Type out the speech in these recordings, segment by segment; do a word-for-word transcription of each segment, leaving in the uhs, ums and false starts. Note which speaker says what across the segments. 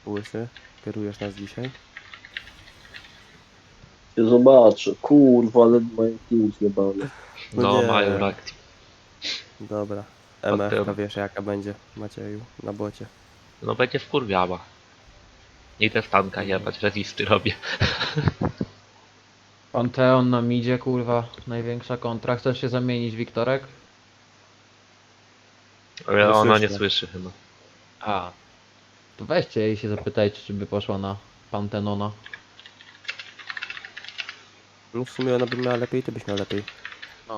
Speaker 1: Łysy, kierujesz nas dzisiaj?
Speaker 2: Się zobaczę. Kurwa, ale mają team zjebany.
Speaker 1: No
Speaker 3: No,
Speaker 1: nie.
Speaker 3: mają reakcję.
Speaker 1: Dobra.
Speaker 3: Pod
Speaker 1: M F K
Speaker 3: tym-
Speaker 1: wiesz jaka będzie, Macieju, na bocie.
Speaker 3: No będzie wkurwiała. Idę stanka jebać, rezisty robię.
Speaker 4: Panteon na midzie, kurwa, największa kontra. Chcesz się zamienić, Wiktorek?
Speaker 3: Ale
Speaker 1: Nie
Speaker 3: ona nie
Speaker 1: słyszę.
Speaker 3: słyszy chyba.
Speaker 4: A. To weźcie jej się zapytajcie, czy by poszła na Pantenona.
Speaker 1: No w sumie ona by miała lepiej, ty byś miał lepiej.
Speaker 4: No.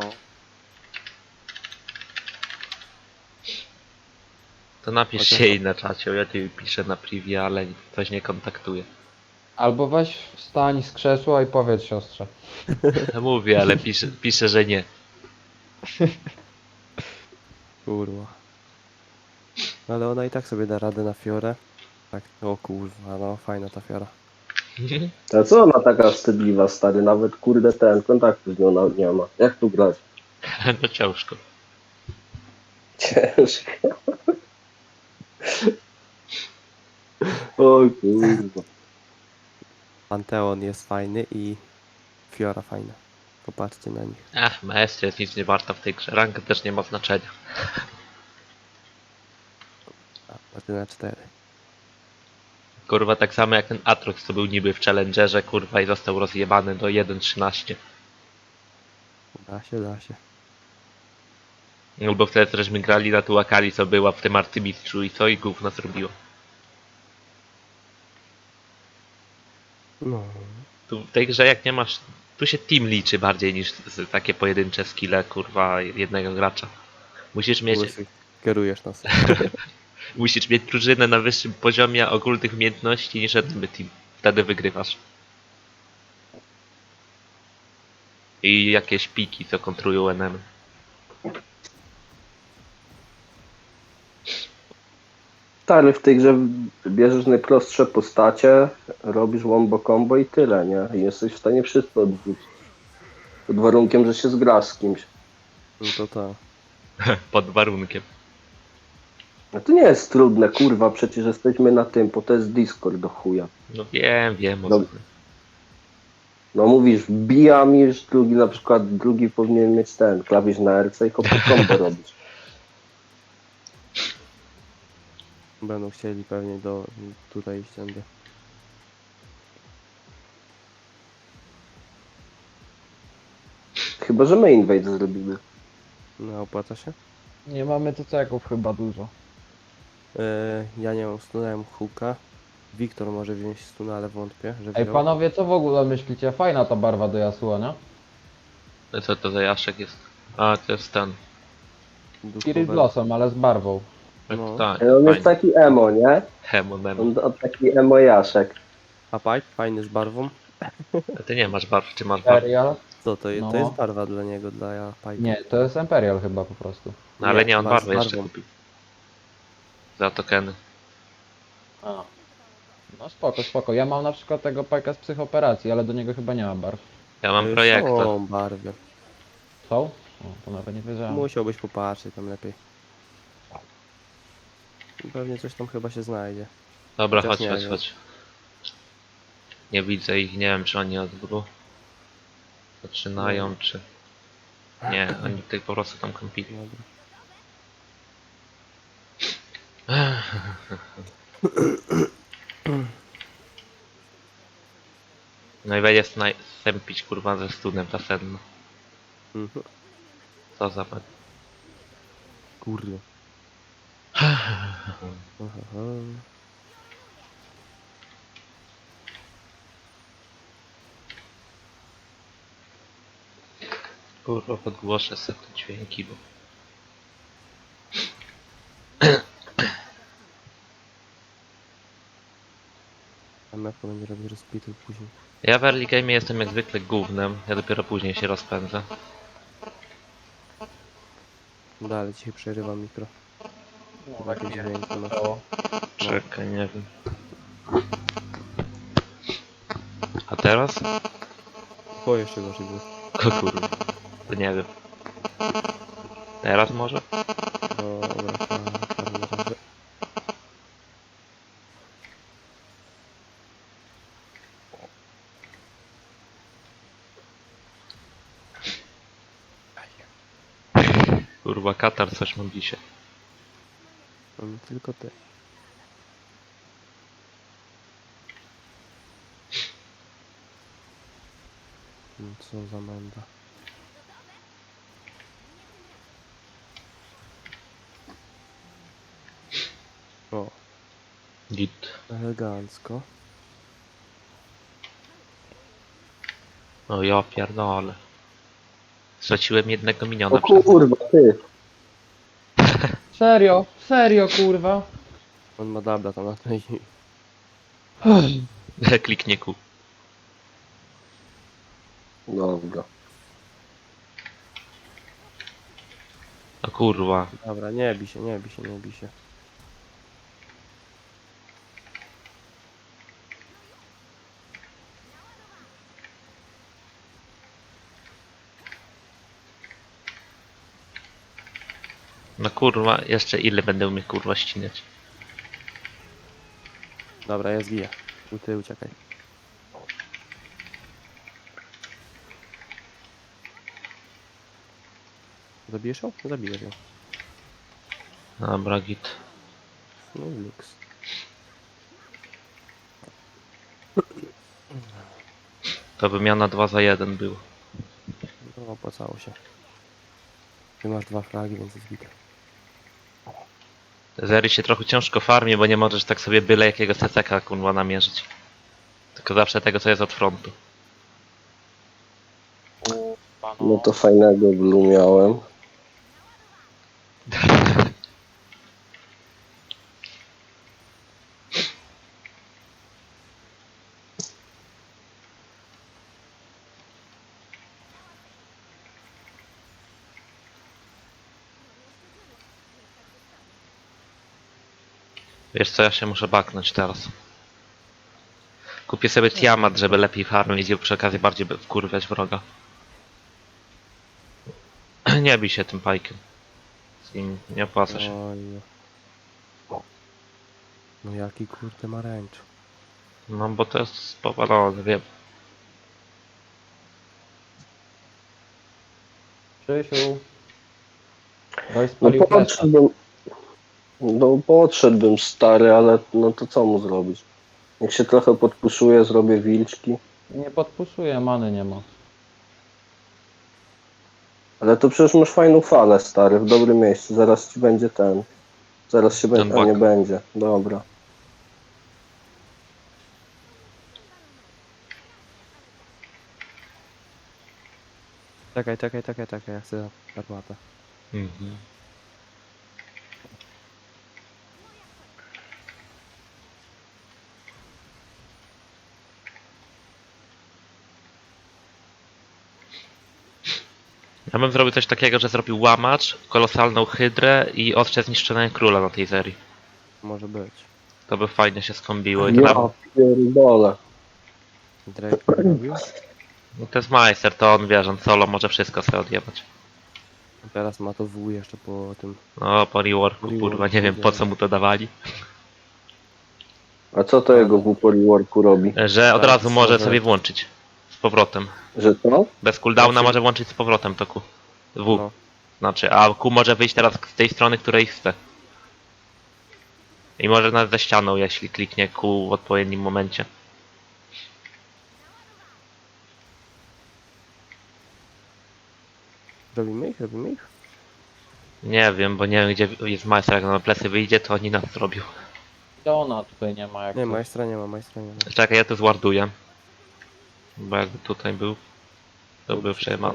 Speaker 3: To napisz
Speaker 1: Chociaż-
Speaker 3: się jej na czacie, ja tu piszę na privie, ale coś nie kontaktuje.
Speaker 4: Albo weź wstań z krzesła i powiedz siostrze.
Speaker 3: Mówię, ale pisze, pisze, że nie.
Speaker 1: Kurwa. Ale ona i tak sobie da radę na Fiorę. Tak, o kurwa, no fajna ta Fiora.
Speaker 2: A co ona taka wstydliwa, stary? Nawet kurde ten, kontaktu z nią nawet nie ma. Jak tu grać?
Speaker 3: No ciężko.
Speaker 2: Ciężko. O kurwa.
Speaker 1: Panteon jest fajny i Fiora fajna. Popatrzcie na nich.
Speaker 3: Ach, maestria jest nic nie warta w tej grze. Ranka też nie ma znaczenia.
Speaker 1: A, patrzcie na cztery.
Speaker 3: Kurwa, tak samo jak ten Atrox, co był niby w Challengerze, kurwa, i został rozjebany do jeden trzynaście.
Speaker 1: Da się, da się.
Speaker 3: Albo wtedy żeśmy grali na tu Akali, co była w tym arcymistrzu i co i gówno zrobiło.
Speaker 1: No.
Speaker 3: Tu w tej grze jak nie masz... Tu się team liczy bardziej niż z- takie pojedyncze skille, kurwa, jednego gracza. Musisz mieć,
Speaker 1: Łysy, kierujesz nas.
Speaker 3: musisz mieć drużynę na wyższym poziomie ogólnych umiejętności niż jeden team. Wtedy wygrywasz. I jakieś piki, co kontrują N M.
Speaker 2: Stary, w tej grze bierzesz najprostsze postacie, robisz wombo combo i tyle, nie? I jesteś w stanie wszystko odwrócić. Pod warunkiem, że się zgrasz z kimś.
Speaker 1: No to to.
Speaker 3: Pod warunkiem.
Speaker 2: No to nie jest trudne, kurwa, przecież jesteśmy na tym, bo to jest Discord do chuja.
Speaker 3: No wiem, wiem o
Speaker 2: No.
Speaker 3: co.
Speaker 2: No mówisz, wbijam już, drugi na przykład, drugi powinien mieć ten, klawisz na R C i hop combo robisz.
Speaker 1: Będą chcieli pewnie do tutaj iść tędy.
Speaker 2: Chyba, że my invade zrobimy.
Speaker 1: No opłaca się?
Speaker 4: Nie mamy ceków chyba dużo.
Speaker 1: Yy, ja nie mam stunałem huka. Wiktor może wziąć stuna, ale wątpię, że
Speaker 4: Ej,
Speaker 1: wziął.
Speaker 4: panowie, co w ogóle myślicie? Fajna ta barwa do Yasuo, nie?
Speaker 3: No co to za Jaszek jest? A, to jest ten.
Speaker 4: Spirit
Speaker 1: Duchowe.
Speaker 4: Blossom, ale z barwą.
Speaker 3: Tak,
Speaker 1: No.
Speaker 3: tak.
Speaker 2: Ale on jest
Speaker 3: Fajnie.
Speaker 2: taki emo, nie?
Speaker 3: Hemo, memo.
Speaker 2: On on taki emo jaszek.
Speaker 1: A pipe fajny z barwą.
Speaker 3: A ty nie masz barw, czy masz barw?
Speaker 4: Imperial?
Speaker 1: Co to jest?
Speaker 4: No.
Speaker 1: To jest barwa dla niego, dla ja pipe.
Speaker 4: Nie, to jest Imperial chyba po prostu.
Speaker 3: No ale
Speaker 1: Nie,
Speaker 3: nie, on
Speaker 1: barw z
Speaker 3: barwę jeszcze
Speaker 1: barwą.
Speaker 3: kupił. Za tokeny.
Speaker 4: A. No spoko, spoko. Ja mam na przykład tego pajka z psychoperacji, ale do niego chyba nie ma barw.
Speaker 3: Ja mam
Speaker 1: Yy,
Speaker 3: projektor.
Speaker 1: Są barwy.
Speaker 4: Są? O, to nawet nie wiedziałem.
Speaker 1: Musiałbyś popatrzeć tam lepiej. Pewnie coś tam chyba się znajdzie.
Speaker 3: Dobra,
Speaker 1: Chociaż
Speaker 3: chodź,
Speaker 1: nie
Speaker 3: chodź,
Speaker 1: wiem.
Speaker 3: chodź. Nie widzę ich, nie wiem czy oni od góry zaczynają, czy... Nie, oni tutaj po prostu tam kąpili.
Speaker 1: Dobra.
Speaker 3: No i będzie snaj- stępić kurwa ze stunem ta senna.
Speaker 1: Mhm.
Speaker 3: Co za pan.
Speaker 1: Kurde. Aha.
Speaker 3: Kurwa, podgłoszę sobie te dźwięki, bo...
Speaker 1: M F będzie robić rozpity później.
Speaker 3: Ja w early game jestem jak zwykle gównem, ja dopiero później się rozpędzę.
Speaker 1: Dalej dzisiaj przerywam mikro. Chyba jakieś dźwięki masz.
Speaker 3: Czekaj, nie wiem. A teraz?
Speaker 1: O, jeszcze gorzej było.
Speaker 3: O kurwa, to nie wiem. Teraz może?
Speaker 1: Dobra, fajnie, fajnie, dobrze.
Speaker 3: Kurwa, Katar coś ma dzisiaj.
Speaker 1: No nie tylko ty. No co za menda. O,
Speaker 3: Git.
Speaker 1: elegancko.
Speaker 3: O ja pierdolę. Straciłem jednego
Speaker 2: O
Speaker 3: miniona przez...
Speaker 2: kurwa, ty.
Speaker 4: Serio, serio kurwa.
Speaker 1: On ma dabla tam na tej.
Speaker 3: Kliknie ku.
Speaker 2: Dobra.
Speaker 3: O kurwa.
Speaker 1: Dobra, nie bij się, nie bij się, nie bij się.
Speaker 3: No kurwa, jeszcze ile będę umiał kurwa ścinać?
Speaker 1: Dobra, ja zgiję. U ty uciekaj. Zabijesz ją? Zabijesz ją.
Speaker 3: Dobra, git.
Speaker 1: No i luks.
Speaker 3: To wymiana dwa za jeden był.
Speaker 1: No opłacało się. Ty masz dwa fragi, więc jest git.
Speaker 3: Zery się trochę ciężko farmi, bo nie możesz tak sobie byle jakiego C C K kurwa namierzyć. Tylko zawsze tego co jest od frontu.
Speaker 2: No to fajnego blue miałem.
Speaker 3: Wiesz co, ja się muszę baknąć teraz. Kupię sobie Tiamat, żeby lepiej farmić i przy okazji bardziej by wkurwiać wroga. Nie bij się tym pajkiem. Z nim nie opłaca się.
Speaker 1: Oj. No jaki kurde ma ręcz.
Speaker 3: No bo to jest powalone, wiem.
Speaker 4: Krzysiu. Daj
Speaker 2: No
Speaker 4: spalił flesza.
Speaker 2: podszedłbym. No podszedłbym stary, ale no to co mu zrobić? Jak się trochę podpuszuje, zrobię wilczki.
Speaker 4: Nie podpuszuje, many nie ma.
Speaker 2: Ale to przecież masz fajną falę, stary, w dobrym miejscu. Zaraz ci będzie ten. Zaraz się będzie. A
Speaker 3: bak.
Speaker 2: nie będzie. Dobra.
Speaker 1: Czekaj, czekaj, czekaj, czekaj, ja chcę armatę.
Speaker 3: Mhm. Ja bym zrobił coś takiego, że zrobił łamacz, kolosalną hydrę i ostrze zniszczonego króla na tej serii.
Speaker 1: Może być.
Speaker 3: To by fajnie się skombiło i to,
Speaker 2: Ja
Speaker 3: na...
Speaker 2: pierdolę.
Speaker 1: Drake nie robił.
Speaker 3: no to jest majster, to on wie, że on solo może wszystko sobie odjebać.
Speaker 1: Teraz ma to W jeszcze po tym.
Speaker 3: No po reworku,
Speaker 1: Reworku,
Speaker 3: kurwa, nie wiem po co mu to dawali.
Speaker 2: A co to jego w worku robi?
Speaker 3: Że od
Speaker 1: Tak,
Speaker 3: razu może
Speaker 1: może-
Speaker 3: sobie włączyć z powrotem.
Speaker 2: Że to?
Speaker 3: Bez cooldowna
Speaker 1: Znaczy-
Speaker 3: może włączyć z powrotem to Q. W.
Speaker 1: No.
Speaker 3: Znaczy, a Q może wyjść teraz z tej strony, której chce. I może nawet ze ścianą, jeśli kliknie Q w odpowiednim momencie.
Speaker 1: Robimy ich? Robimy ich?
Speaker 3: Nie wiem, bo nie wiem gdzie jest majster, jak na plecy wyjdzie, to oni nas zrobią.
Speaker 4: Ona tutaj nie ma jak
Speaker 1: Nie,
Speaker 4: coś.
Speaker 1: majstra nie ma, majstra nie ma.
Speaker 3: Czekaj, ja to zwarduję. Bo jakby tutaj był, to był przejmany.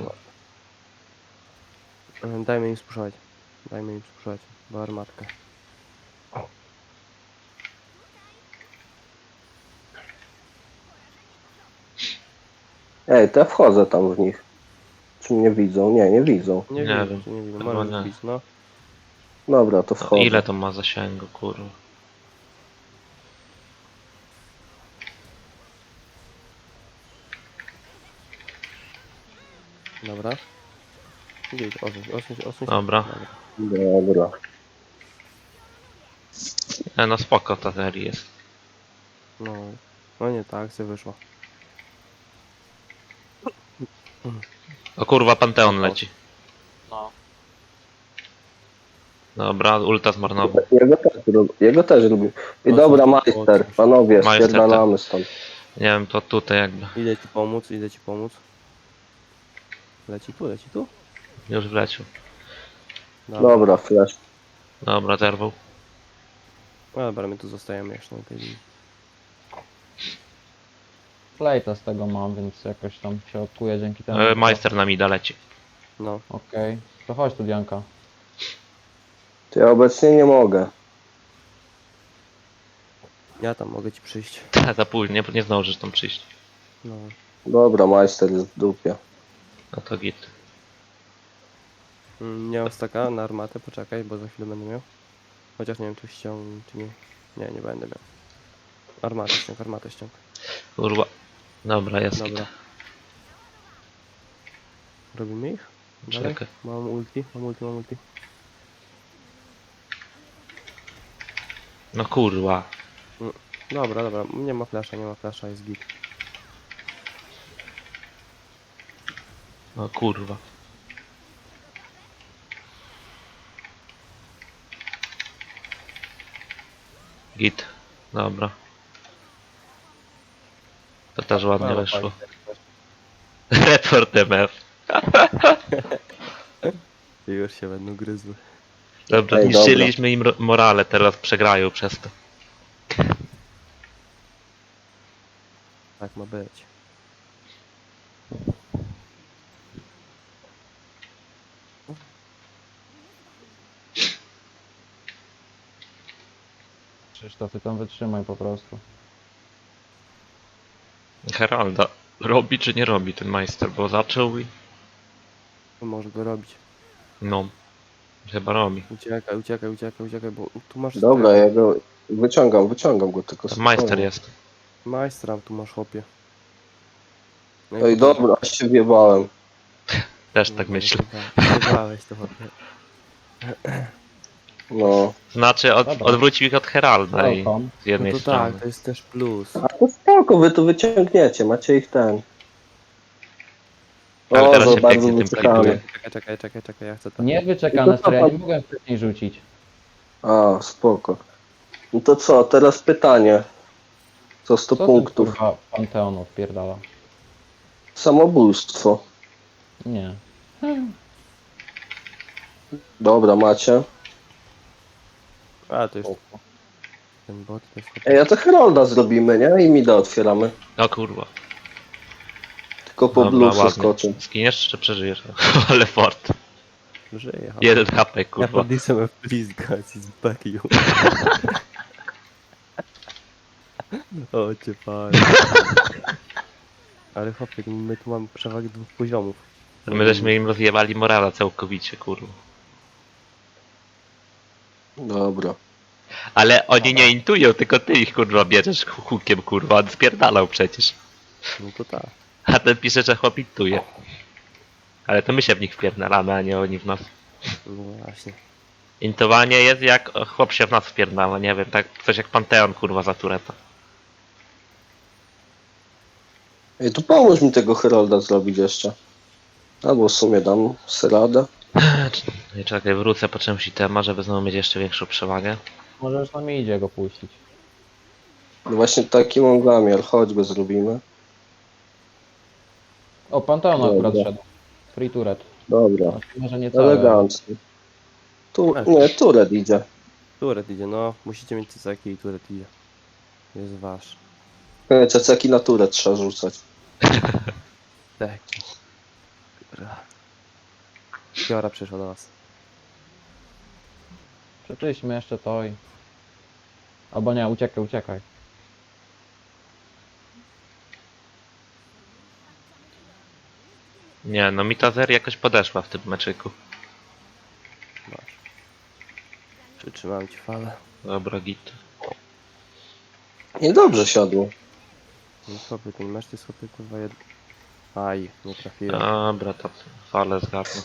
Speaker 1: E, Dajmy im spuszczać. Dajmy im spuszczać. Bo armatkę.
Speaker 2: Ej, to ja wchodzę tam w nich. Czy mnie widzą? Nie, nie widzą.
Speaker 1: Nie,
Speaker 3: Nie
Speaker 1: wiem,
Speaker 3: wiem.
Speaker 1: czy nie widzę.
Speaker 3: Chyba
Speaker 1: Możesz
Speaker 3: nie.
Speaker 1: wbić, no.
Speaker 2: Dobra, to
Speaker 3: No,
Speaker 2: wchodzę.
Speaker 3: ile to ma zasięgu, kurwa?
Speaker 1: Dobra. Gdzieś, osuń, osuń, osuń.
Speaker 3: Dobra.
Speaker 2: Dobra.
Speaker 3: E, no spoko ta seria jest.
Speaker 1: No. No nie, ta akcja wyszła.
Speaker 3: O kurwa, Panteon leci.
Speaker 4: No.
Speaker 3: Dobra, ulta zmarnował.
Speaker 2: Jego też, lub- jego też lubię. I
Speaker 1: O,
Speaker 2: dobra,
Speaker 1: co-
Speaker 2: majster,
Speaker 1: o,
Speaker 2: panowie,
Speaker 3: Majster,
Speaker 2: spierdalamy stąd.
Speaker 3: Nie wiem, to tutaj jakby.
Speaker 1: Idę ci pomóc, idę ci pomóc. Leci tu, leci tu?
Speaker 3: Już wleciał.
Speaker 2: Dobra, flash.
Speaker 3: Dobra, zerwał.
Speaker 1: No dobra, my tu zostajemy jeszcze na tej linii.
Speaker 4: Plejta z tego mam, więc jakoś tam się odkuję dzięki temu.
Speaker 3: E, Majster na mida leci.
Speaker 1: No,
Speaker 4: Okej, to chodź tu Dianka.
Speaker 2: To ja obecnie nie mogę.
Speaker 1: ja tam mogę ci przyjść.
Speaker 3: Za późno, nie, nie zdążysz tam przyjść.
Speaker 1: No,
Speaker 2: Dobra, majster jest w dupie.
Speaker 3: No to git.
Speaker 1: Mm, nie mam staka na armatę, poczekaj, bo za chwilę będę miał. Chociaż nie wiem, czy ściągnę, czy nie. Nie, nie będę miał. Armatę ściąg, armatę ściąg.
Speaker 3: Kurwa. Dobra, jest git.
Speaker 1: Dobra. Robimy ich? Dalej?
Speaker 3: Czekaj.
Speaker 1: Mam ulti, mam ulti, mam ulti.
Speaker 3: No kurwa.
Speaker 1: Dobra, dobra, nie ma flasza, nie ma flasza, jest git.
Speaker 3: No kurwa. Git. Dobra. To też ładnie
Speaker 1: Dobra,
Speaker 3: wyszło.
Speaker 1: fajnie.
Speaker 3: Report M F.
Speaker 1: I już się będą gryzły.
Speaker 3: Dobra,
Speaker 2: Ej,
Speaker 3: niszczyliśmy im ro- morale, teraz przegrają przez to.
Speaker 1: Tak ma być.
Speaker 4: Krzysztof, ty tam wytrzymaj po prostu.
Speaker 3: Heralda. Robi czy nie robi ten majster, bo zaczął i...
Speaker 1: Może go robić.
Speaker 3: No. Chyba robi.
Speaker 1: Uciekaj, uciekaj, uciekaj, uciekaj, bo tu masz...
Speaker 2: Dobra,
Speaker 1: tego.
Speaker 2: ja go wyciągam, wyciągam go tylko
Speaker 3: To majster
Speaker 2: spokojnie.
Speaker 3: jest.
Speaker 1: Majstra tu masz, chłopie. No i
Speaker 2: Oj,
Speaker 1: potem-
Speaker 2: dobra, aż się wjebałem.
Speaker 3: Też
Speaker 1: No,
Speaker 3: tak
Speaker 1: no,
Speaker 3: myślę.
Speaker 1: Wybrałeś to, chłopie.
Speaker 2: No.
Speaker 3: Znaczy, od,
Speaker 4: Dobra.
Speaker 3: odwrócił ich od Heralda i
Speaker 4: Welcome.
Speaker 3: z jednej
Speaker 1: No to
Speaker 3: strony.
Speaker 1: tak, to jest też plus.
Speaker 2: A to spoko, wy tu wyciągniecie, macie ich ten.
Speaker 3: Ale
Speaker 2: O,
Speaker 3: teraz
Speaker 2: za
Speaker 3: się
Speaker 2: bardzo
Speaker 3: pięknie tym
Speaker 2: wyczekamy.
Speaker 3: klipuje.
Speaker 1: Czekaj, czekaj, czekaj, czekaj, ja chcę to.
Speaker 4: Nie wyczekane, stary, ja nie mogłem wcześniej rzucić.
Speaker 2: A, spoko. No to co, teraz pytanie. Co sto
Speaker 4: Co ten
Speaker 2: punktów?
Speaker 4: kurwa Panteon odpierdala?
Speaker 2: Samobójstwo.
Speaker 4: Nie.
Speaker 2: Dobra, macie.
Speaker 1: A, to już
Speaker 4: Spoko.
Speaker 1: ten bot, to jest...
Speaker 2: Ej, a to Herolda zrobimy, nie? I mida otwieramy.
Speaker 3: O kurwa.
Speaker 2: Tylko po
Speaker 3: Dobra,
Speaker 2: bluesy
Speaker 3: ładnie.
Speaker 2: skoczę.
Speaker 3: Skiniesz czy przeżyjesz? Ale fort.
Speaker 1: Żyje, ale...
Speaker 3: Jeden H P
Speaker 1: Ja
Speaker 3: kurwa.
Speaker 1: podniosłem blizgać z backju. O, cię panie. Ale chłopie, my tu mamy przewagę dwóch poziomów.
Speaker 3: My żeśmy im rozjebali morala całkowicie kurwa.
Speaker 2: Dobra.
Speaker 3: Ale oni nie intują, tylko ty ich kurwa bierzesz hukiem kurwa, on spierdalał przecież.
Speaker 1: No to tak.
Speaker 3: A ten pisze, że chłop intuje. Ale to my się w nich wpierdalamy, a nie oni w nas.
Speaker 1: No właśnie.
Speaker 3: Intowanie jest jak chłop się w nas wpierdala, nie wiem, tak coś jak Panteon kurwa za Tureta.
Speaker 2: Ej, to pomóż mi tego Herolda zrobić jeszcze. Albo w sumie dam seradę.
Speaker 3: Nie czekaj, wrócę po czymś itema, żeby znowu mieć jeszcze większą przewagę.
Speaker 4: Możesz na mi idzie go puścić.
Speaker 2: No właśnie taki mam zamiar, chodź go zrobimy.
Speaker 4: O, Panteon akurat
Speaker 2: Dobra.
Speaker 4: szedł. Free turret.
Speaker 2: Dobra,
Speaker 4: Znaczy, może nie cały.
Speaker 2: elegancko. Tu, nie, Turet idzie.
Speaker 1: Turet idzie, no. Musicie mieć cycaki i turet idzie. Jest wasz.
Speaker 2: E, Ceceki na Turet trzeba rzucać.
Speaker 1: Tak. Dobra. Fiora przyszła do nas.
Speaker 4: Przeczyśmy jeszcze to i... Albo nie, uciekaj, uciekaj.
Speaker 3: Nie, no mi ta zer jakoś podeszła w tym meczyku.
Speaker 1: Masz. Przytrzymałem ci falę.
Speaker 3: Dobra, git.
Speaker 2: Niedobrze siadło.
Speaker 1: No chłopie, ten mecz to jest chłopie kurwa jed... Aj, nie trafiłem.
Speaker 3: Dobra, to falę zgarnę.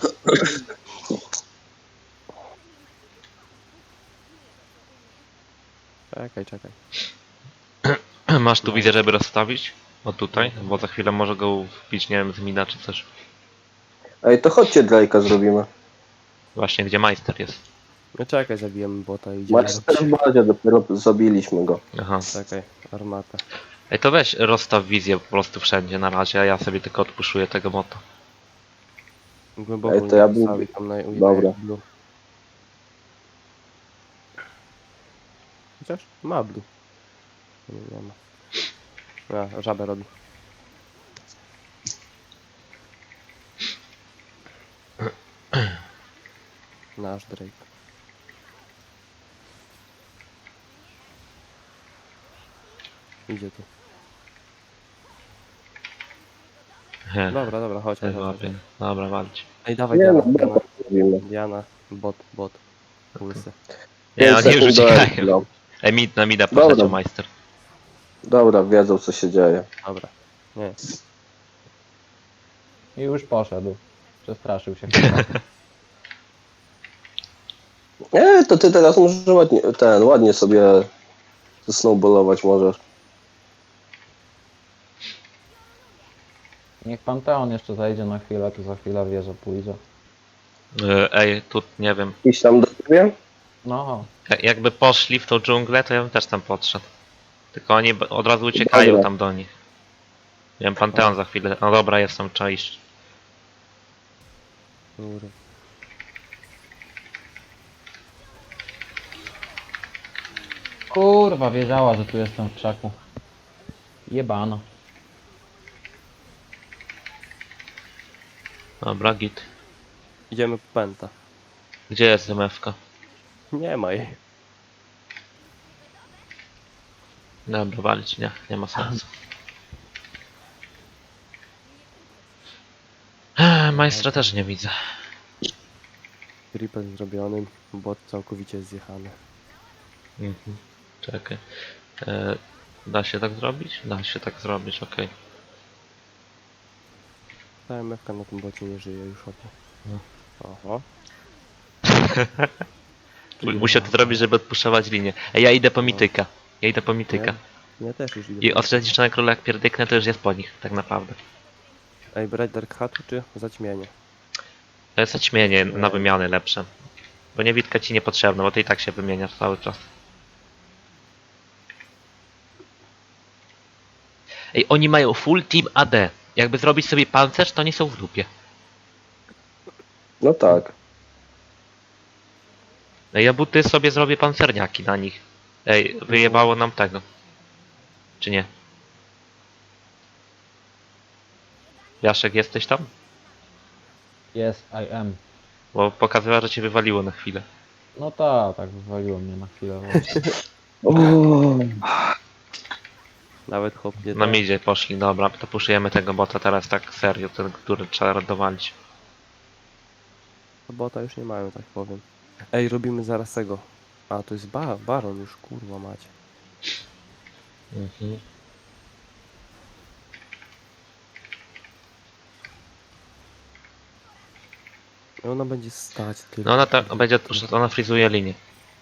Speaker 1: Czekaj, czekaj.
Speaker 3: Masz tu widzę, żeby rozstawić? O tutaj, bo za chwilę może go wbić, nie wiem, z mina czy coś.
Speaker 2: Ej, to chodźcie Drake'a zrobimy.
Speaker 3: Właśnie, gdzie majster jest.
Speaker 1: No czekaj, zabijemy bota i idziemy
Speaker 2: Majster w
Speaker 1: robić.
Speaker 2: bazie, dopiero zabiliśmy go.
Speaker 3: Aha.
Speaker 1: Czekaj, armatę.
Speaker 3: Ej, to weź rozstaw wizję po prostu wszędzie na razie, a ja sobie tylko odpuszuję tego bota.
Speaker 1: Głęboko
Speaker 2: Ej, to ja
Speaker 1: nie
Speaker 2: bym-
Speaker 1: postawi tam na u
Speaker 2: Dobra.
Speaker 1: na blue. Chociaż ma blue. Nie, nie ma. A, żabę robi. Nasz Drake. Idzie tu.
Speaker 3: He,
Speaker 1: Dobra, dobra, chodź, chodź,
Speaker 3: te
Speaker 1: chodź.
Speaker 3: łapie. Dobra, walcz.
Speaker 1: Ej, dawaj
Speaker 2: Nie
Speaker 1: Diana,
Speaker 2: no,
Speaker 1: Diana,
Speaker 2: bota zrobimy.
Speaker 1: Diana, bot, bot. Łysy.
Speaker 3: Nie,
Speaker 2: Pięć
Speaker 3: oni już
Speaker 2: sekund do
Speaker 3: uciekają.
Speaker 2: expo.
Speaker 3: Ej, mid na mida
Speaker 2: Dobra.
Speaker 3: poleciał majster.
Speaker 2: Dobra, wiedzą co się dzieje.
Speaker 1: Dobra. Nie.
Speaker 4: I już poszedł. Przestraszył się.
Speaker 2: Nie, to ty teraz możesz ładnie, ten, ładnie sobie snowballować możesz.
Speaker 4: Niech Panteon jeszcze zajdzie na chwilę, tu za chwilę wieża pójdzie.
Speaker 3: E, Ej, tu nie wiem.
Speaker 2: Iść tam do ciebie?
Speaker 4: No,
Speaker 3: Ja- Jakby poszli w tą dżunglę, to ja bym też tam podszedł. Tylko oni b- od razu uciekają
Speaker 2: Dobra.
Speaker 3: tam do nich. Nie wiem, Panteon za chwilę. No dobra, jest tam, trzeba iść.
Speaker 1: Kurwa.
Speaker 4: kurwa, wiedziała, że tu jestem w krzaku. Jebano.
Speaker 3: Dobra, git.
Speaker 1: Idziemy po penta.
Speaker 3: Gdzie jest M F K?
Speaker 1: Nie ma jej.
Speaker 3: Dobra, walić, nie, nie ma sensu. Eee, Majstra też nie widzę.
Speaker 1: Triple zrobiony, bot całkowicie zjechany.
Speaker 3: Mhm. Czekaj. E, da się tak zrobić? Da się tak zrobić, okej.
Speaker 1: Ta M F K na tym bocie nie żyje już od.
Speaker 3: No.
Speaker 1: Oho.
Speaker 3: Okay. Musiał to zrobić, żeby odpuszczać linię. Ej, ja idę po mityka. Ja idę po mityka.
Speaker 1: Ja, ja też już idę.
Speaker 3: I od Zniszczone Króla jak pierdyknę, to już jest po nich, tak naprawdę.
Speaker 1: Ej, brać Dark Hatu czy zaćmienie?
Speaker 3: To jest zaćmienie na wymiany lepsze. Bo niewidka ci niepotrzebna, bo ty i tak się wymieniasz cały czas. Ej, oni mają full team A D. Jakby zrobić sobie pancerz, to oni są w dupie.
Speaker 2: No tak.
Speaker 3: Ej, ja buty sobie zrobię pancerniaki na nich. Ej, wyjebało nam tego. Czy nie? Jaszek, jesteś tam?
Speaker 4: Yes, I am.
Speaker 3: Bo pokazywała, że cię wywaliło na chwilę.
Speaker 4: No tak, tak wywaliło mnie na chwilę. właśnie.
Speaker 1: Nawet hop nie
Speaker 3: Na
Speaker 1: da.
Speaker 3: midzie poszli, dobra, to puszujemy tego bota teraz tak serio, ten, który trzeba dowalić.
Speaker 1: Bota już nie mają, tak powiem. Ej, robimy zaraz tego. A, to jest ba Baron już, kurwa macie.
Speaker 3: Mhm.
Speaker 1: I ona będzie stać tylko.
Speaker 3: No ona tak będzie, że ona frizuje linię.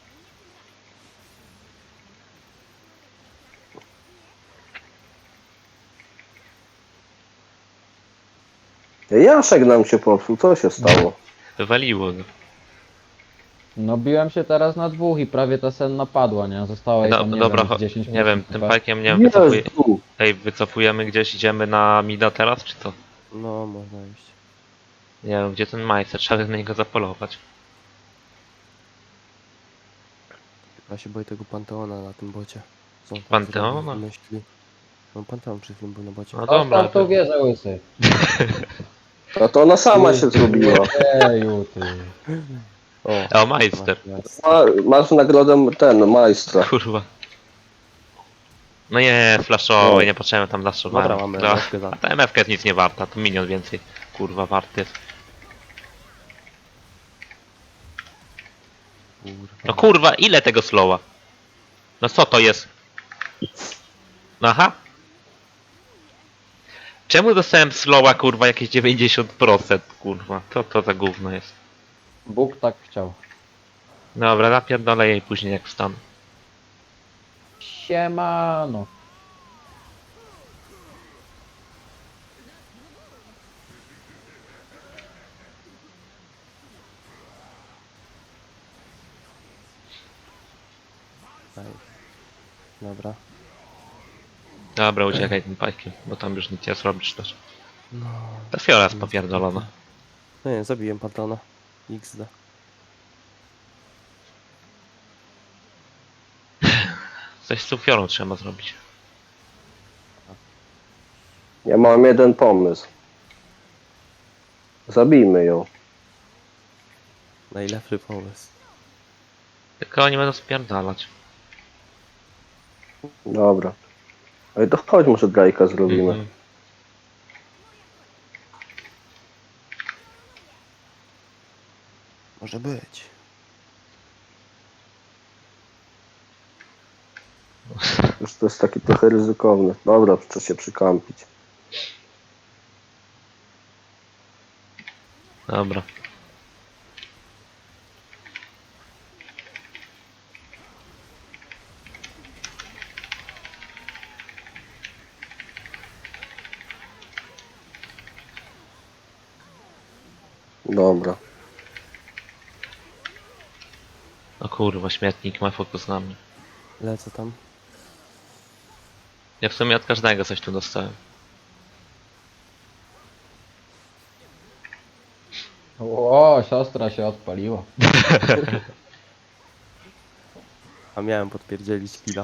Speaker 2: Jaszek nam się popsuł, co się stało?
Speaker 3: Wywaliło go.
Speaker 4: No biłem się teraz na dwóch i prawie ta senna padła, nie? Została jej
Speaker 3: No,
Speaker 4: tam, nie
Speaker 3: dobra,
Speaker 4: wiem,
Speaker 3: cho-
Speaker 4: z dziesięć
Speaker 3: nie wiem,
Speaker 4: procent
Speaker 3: tym
Speaker 4: chyba.
Speaker 3: pajkiem nie wiem, wycofuj...
Speaker 2: Jezu!
Speaker 3: Ej, wycofujemy gdzieś, idziemy na mida teraz, czy co?
Speaker 1: No, można iść.
Speaker 3: Nie wiem, gdzie ten majster, trzeba na niego zapolować.
Speaker 1: Ja się boję tego Panteona na tym bocie. Co on tam
Speaker 3: Panteona?
Speaker 1: zrobił, wymyślił? No Panteon przed chwilą był na bocie.
Speaker 3: No dobra,
Speaker 4: Zostaw tą
Speaker 3: to...
Speaker 4: wieżę, łysy.
Speaker 2: A to ona sama się zrobiła.
Speaker 4: Eju, ty.
Speaker 1: O,
Speaker 3: O, majster,
Speaker 1: jest.
Speaker 2: Ma, masz nagrodę ten, majstra.
Speaker 3: kurwa. No nie, flashowy, nie potrzebujemy tam zaszowałem.
Speaker 1: Dobra, mamy
Speaker 3: No,
Speaker 1: M F K za.
Speaker 3: a ta M F K jest nic nie warta, to minion więcej, kurwa, warty jest.
Speaker 1: Kurwa.
Speaker 3: No kurwa, ile tego slowa? No co to jest? Aha. Czemu dostałem slowa, kurwa, jakieś dziewięćdziesiąt procent, kurwa? Co to za gówno jest?
Speaker 4: Bóg tak chciał.
Speaker 3: Dobra, napierdolę jej później jak wstanę.
Speaker 4: Siemano.
Speaker 1: Daj. Dobra.
Speaker 3: Dobra, uciekaj tym pajkiem, bo tam już nic nie zrobisz też.
Speaker 1: No.
Speaker 3: Ta fiora jest popierdolona.
Speaker 1: No nie, zabiłem patrona. iks de.
Speaker 3: Coś z tą fiorą trzeba zrobić.
Speaker 2: Ja mam jeden pomysł. Zabijmy ją.
Speaker 1: Najlepszy pomysł.
Speaker 3: Tylko oni będą spierdalać.
Speaker 2: Dobra. Ale to chodź, może Drake'a zrobimy.
Speaker 3: Mhm.
Speaker 1: Może być.
Speaker 2: Już to jest taki trochę ryzykowne. Dobra, trzeba się przykampić.
Speaker 3: Dobra.
Speaker 2: Dobra.
Speaker 3: O kurwa, śmietnik ma fokus na mnie.
Speaker 1: Lecę tam.
Speaker 3: Ja w sumie od każdego coś tu dostałem.
Speaker 4: O, siostra się odpaliła.
Speaker 1: A miałem podpierdzielić killa.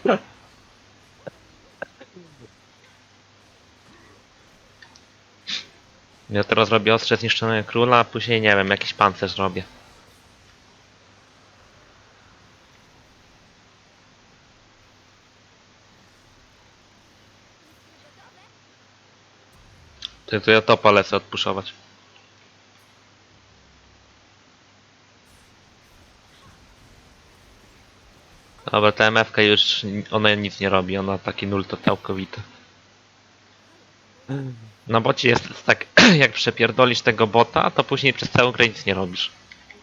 Speaker 3: Ja teraz robię ostrze zniszczonego króla, a później nie wiem, jakiś pancerz robię. To, to ja topa lecę odpuszować. Dobra, ta em ef ka już, ona nic nie robi, ona taki nul to całkowity. Na bocie jest tak, jak przepierdolisz tego bota, to później przez całą grę nic nie robisz.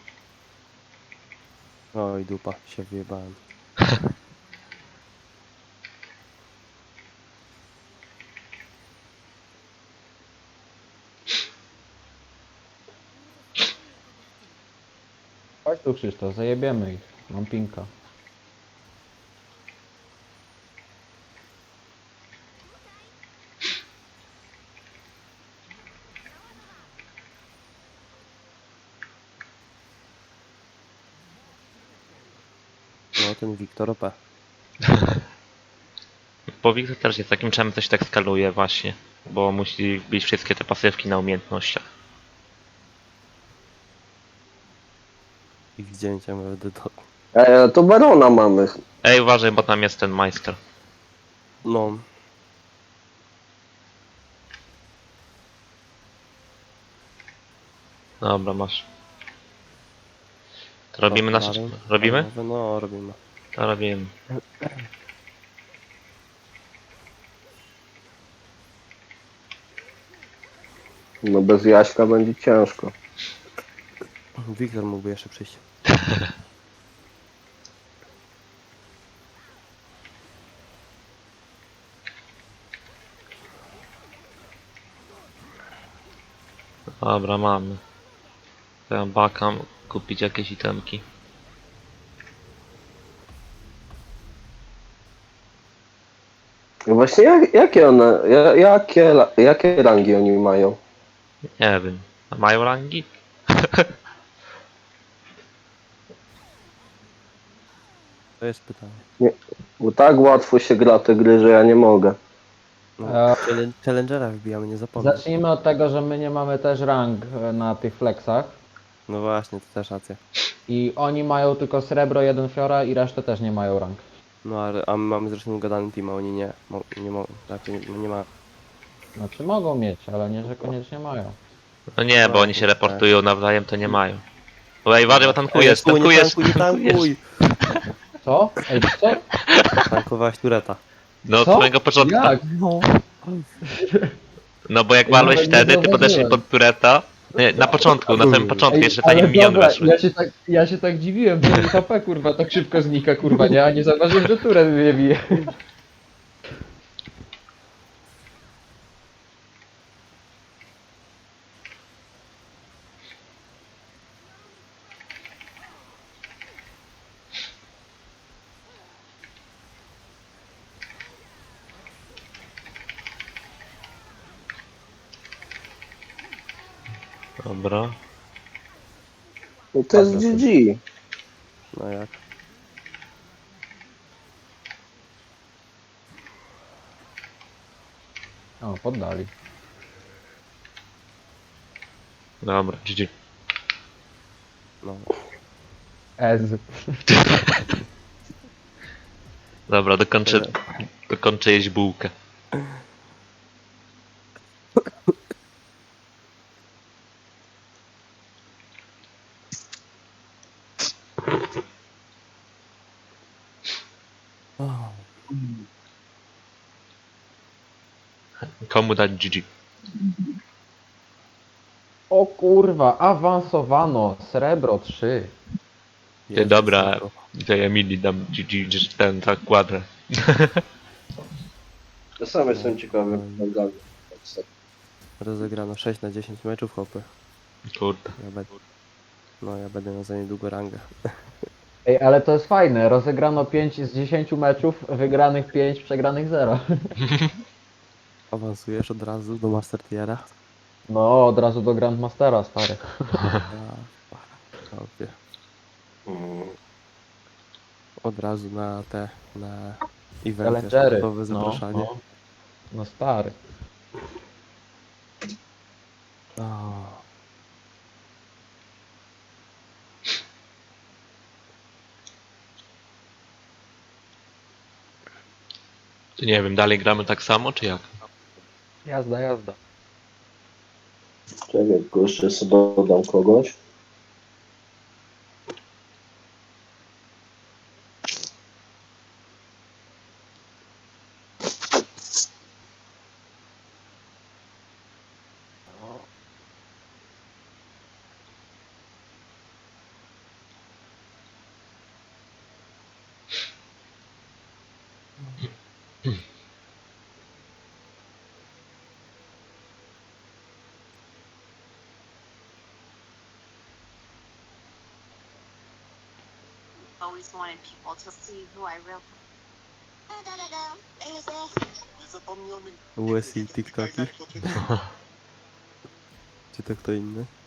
Speaker 1: Oj, dupa, się wyjebałem.
Speaker 4: Chodź tu, Krzysztof, zajebiemy ich. Mam pinka.
Speaker 1: No, ten Wiktor O P.
Speaker 3: Bo Wiktor też jest takim czym coś tak skaluje właśnie, bo musi bić wszystkie te pasywki na umiejętnościach.
Speaker 1: I wzięciem będę do...
Speaker 2: E, to Barona mamy.
Speaker 3: Ej, uważaj, bo tam jest ten majster.
Speaker 1: No.
Speaker 3: Dobra, masz. To robimy nasze...
Speaker 1: Baron.
Speaker 3: Robimy?
Speaker 1: No, robimy.
Speaker 3: To robimy.
Speaker 2: No bez Jaśka będzie ciężko.
Speaker 1: Wiktor mógłby jeszcze przyjść.
Speaker 3: Dobra, mamy. To ja bakam kupić jakieś itemki.
Speaker 2: No właśnie, jak, jakie one, ja- jakie, la- jakie rangi oni mają?
Speaker 3: Nie wiem. A mają rangi?
Speaker 1: To jest pytanie.
Speaker 2: Bo tak łatwo się gra te gry, że ja nie mogę.
Speaker 1: No,
Speaker 4: E,
Speaker 1: challenge- Challengera wbijamy, nie zapomnij.
Speaker 4: Zacznijmy od tego, że my nie mamy też rank e, na tych flexach.
Speaker 1: No właśnie, to też racja.
Speaker 4: I oni mają tylko srebro, jeden fiora i resztę też nie mają rank.
Speaker 1: No, ale, a my mamy zresztą ugadany team, a oni nie. Mo, nie mogą, raczej nie, nie ma.
Speaker 4: Znaczy mogą mieć, ale nie, że koniecznie mają.
Speaker 3: No nie, bo oni się reportują nawzajem, to nie mają. Bo ej, uważaj, bo tankujesz,
Speaker 1: Ej, nie
Speaker 3: tankujesz,
Speaker 1: tankuj, nie tankuj!
Speaker 4: Co? Ej, co?
Speaker 1: Tankowałeś tureta.
Speaker 3: No od
Speaker 4: Co?
Speaker 3: samego początku.
Speaker 4: Jak?
Speaker 1: No.
Speaker 3: No bo jak
Speaker 4: Ja
Speaker 3: walłeś
Speaker 4: nawet nie
Speaker 3: wtedy, ty podeszłeś
Speaker 4: zauważyłem.
Speaker 3: pod tureta. Nie, na początku, na samym początku,
Speaker 4: Ej,
Speaker 3: jeszcze
Speaker 4: ale
Speaker 3: zanim miniony
Speaker 4: dobra,
Speaker 3: weszły.
Speaker 4: ja się, tak, ja się tak dziwiłem, że H P kurwa tak szybko znika kurwa, nie? A nie zauważyłem, że turet mnie bije.
Speaker 3: Dobra.
Speaker 2: No to jest
Speaker 4: Padło
Speaker 2: G G.
Speaker 1: No jak?
Speaker 4: O, poddali.
Speaker 3: Dobra, G G.
Speaker 1: No.
Speaker 4: Ez.
Speaker 3: Dobra, dokończę,
Speaker 1: Tyle.
Speaker 3: dokończę jeść bułkę.
Speaker 1: O,
Speaker 3: Komu dać G G?
Speaker 4: O kurwa, awansowano. Srebro trzy.
Speaker 3: Ty,
Speaker 1: jest
Speaker 3: dobra,
Speaker 1: wysoko.
Speaker 3: tej Emilii dam G G, że ten tak kwadrę.
Speaker 2: Ja sam jestem ciekawy.
Speaker 1: No. Rozegrano sześć na dziesięć meczów, hopy.
Speaker 3: Kurde.
Speaker 1: Ja będę... No ja będę miał za niedługo rangę.
Speaker 4: Ej, ale to jest fajne. Rozegrano pięć z dziesięciu meczów, wygranych pięć, przegranych zero.
Speaker 1: Awansujesz od razu do Master Tiera.
Speaker 4: No, od razu do Grandmastera, stary.
Speaker 1: Ja... Hopie.
Speaker 2: Mm.
Speaker 1: Od razu na te... na... Eventy,
Speaker 4: Challengery.
Speaker 1: sportowe
Speaker 4: No,
Speaker 1: zapraszanie.
Speaker 4: no. No stary.
Speaker 1: O.
Speaker 3: Ty nie wiem, dalej gramy tak samo, czy jak?
Speaker 4: Jazda, jazda.
Speaker 2: Czekaj, tylko jeszcze sobie dodam kogoś.
Speaker 5: Always wanted people to see who I really.
Speaker 1: U S I TikToki. Czy to kto inny?